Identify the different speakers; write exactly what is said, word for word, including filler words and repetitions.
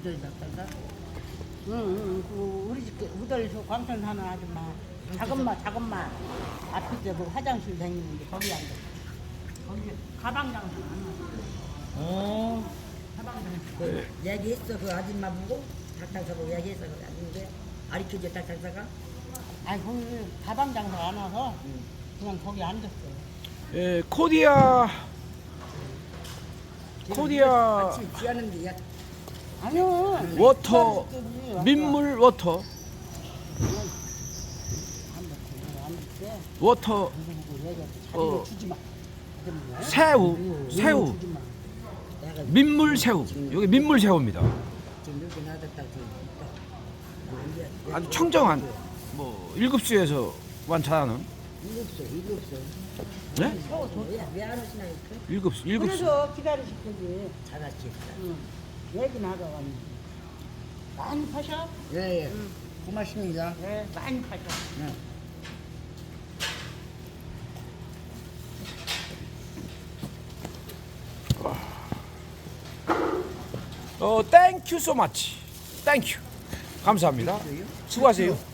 Speaker 1: 우덜 닭살사? 응, 응, 그 우리 집 우덜 저 광천 사는 아줌마. 작은 마, 작은 마. 앞에 그 화장실 다니는데 거기 앉아. 거기 가방 장사 안 하고.
Speaker 2: 어.
Speaker 1: 가방 장사.
Speaker 3: 그 얘기했어 그 아줌마 보고 닭장사 보고 얘기했어 그 아줌마 가르쳐줘 닭장사가.
Speaker 1: 아니 거기 가방 장사 안 와서 그냥 거기 앉았어.
Speaker 2: 예, 코디아 코디아
Speaker 3: 같이 지하는 데야.
Speaker 1: 아니요.
Speaker 2: 워터
Speaker 1: 기다렸더니 아까
Speaker 2: 민물 워터
Speaker 1: 안 됐어. 안 됐어.
Speaker 2: 워터
Speaker 1: 누구 누구 얘기해.
Speaker 2: 어.
Speaker 1: 자기가 주지 마. 그러면
Speaker 2: 새우 새우
Speaker 1: 주지 마.
Speaker 3: 내가
Speaker 2: 민물 새우 여기 민물 새우입니다.
Speaker 3: 지금 이렇게 놔뒀다 그
Speaker 2: 아주 청정한 뭐 일급수에서 완차하는
Speaker 3: 일급소 일급소.
Speaker 2: 네?
Speaker 3: 왜안 오시나 이렇게?
Speaker 2: 일급수 일급수
Speaker 1: 그래서 기다리실 거지.
Speaker 3: 잘하지.
Speaker 1: 응. 얘기 나가가지고. 많이 파셔?
Speaker 3: 예예.
Speaker 1: 응.
Speaker 3: 고맙습니다.
Speaker 1: 네, 많이 파셔.
Speaker 3: 네.
Speaker 2: 어 땡큐 소 마치 땡큐 감사합니다. 수고하세요.